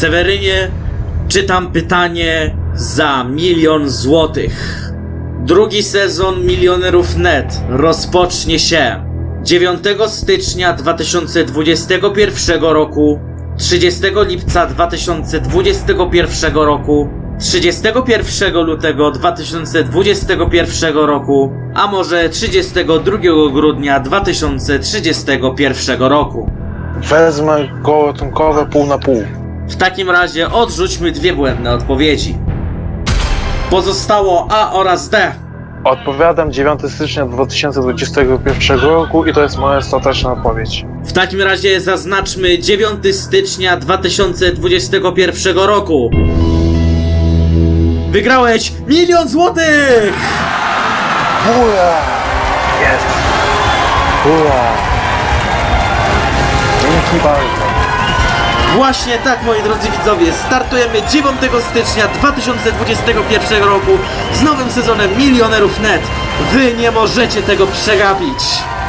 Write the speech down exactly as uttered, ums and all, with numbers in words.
Sewerynie, czytam pytanie za milion złotych. Drugi sezon Milionerów kropka net rozpocznie się dziewiątego stycznia dwa tysiące dwudziestego pierwszego roku, trzydziestego lipca dwa tysiące dwudziestego pierwszego roku, trzydziestego pierwszego lutego dwa tysiące dwudziestego pierwszego roku, a może trzydziestego drugiego grudnia dwa tysiące trzydziestego pierwszego roku. Wezmę gołotunkowe pół na pół. W takim razie odrzućmy dwie błędne odpowiedzi. Pozostało A oraz D. Odpowiadam dziewiątego stycznia dwa tysiące dwudziestego pierwszego roku i to jest moja ostateczna odpowiedź. W takim razie zaznaczmy dziewiątego stycznia dwa tysiące dwudziestego pierwszego roku. Wygrałeś milion złotych! Ura! Jest! Ura! Dzięki bardzo. Właśnie tak, moi drodzy widzowie, startujemy dziewiątego stycznia dwa tysiące dwudziestego pierwszego roku z nowym sezonem Milionerów kropka net. Wy nie możecie tego przegapić!